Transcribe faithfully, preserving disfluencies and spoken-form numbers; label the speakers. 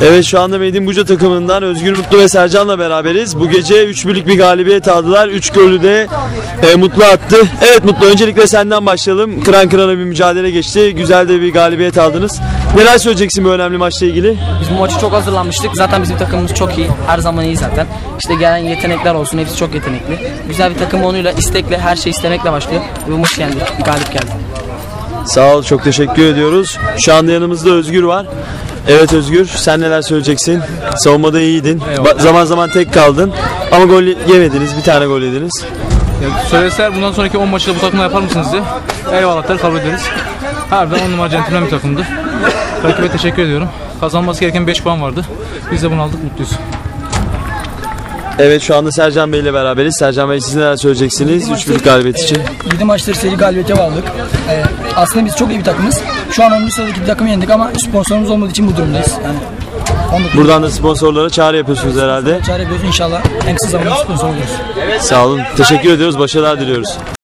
Speaker 1: Evet, şu anda Made in Buca takımından Özgür Mutlu ve Sercan'la beraberiz. Bu gece üç birlik bir galibiyet aldılar. üç golü de e, Mutlu attı. Evet Mutlu, öncelikle senden başlayalım. Kıran kırana bir mücadele geçti. Güzel de bir galibiyet aldınız. Neler söyleyeceksin bu önemli maçla ilgili?
Speaker 2: Biz bu maçı çok hazırlanmıştık. Zaten bizim takımımız çok iyi. Her zaman iyi zaten. İşte gelen yetenekler olsun. Hepsi çok yetenekli. Güzel bir takım onuyla, istekle, her şey istemekle başlıyor. Ve bu maçı yendik. Bir galip geldi.
Speaker 1: Sağ ol, çok teşekkür ediyoruz. Şu anda yanımızda Özgür var. Evet Özgür, sen neler söyleyeceksin? Savunmada iyiydin. Ba- zaman zaman tek kaldın. Ama gol yemediniz. Bir tane gol yediniz.
Speaker 3: Ya, söyleseler bundan sonraki on maçı da bu takımla yapar mısınız diye. Eyvallahlar, kabul ederiz. Harbiden on numara centilmen bir takımdı. Rakibe teşekkür ediyorum. Kazanması gereken beş puan vardı. Biz de bunu aldık, mutluyuz.
Speaker 1: Evet, şu anda Sercan Bey ile beraberiz. Sercan Bey, siz neler söyleyeceksiniz üç birlik galibiyet için?
Speaker 4: yedi maçları seri galibiyete bağladık. Ee, aslında biz çok iyi bir takımız. Şu an onuncu sıradaki bir takımı yendik ama sponsorumuz olmadığı için bu durumdayız. Yani
Speaker 1: Buradan da sponsorlara çağrı yapıyorsunuz herhalde.
Speaker 4: çare yapıyoruz, inşallah en kısa zamanda sponsor oluruz.
Speaker 1: Sağ olun. Teşekkür ediyoruz. Başarılar diliyoruz.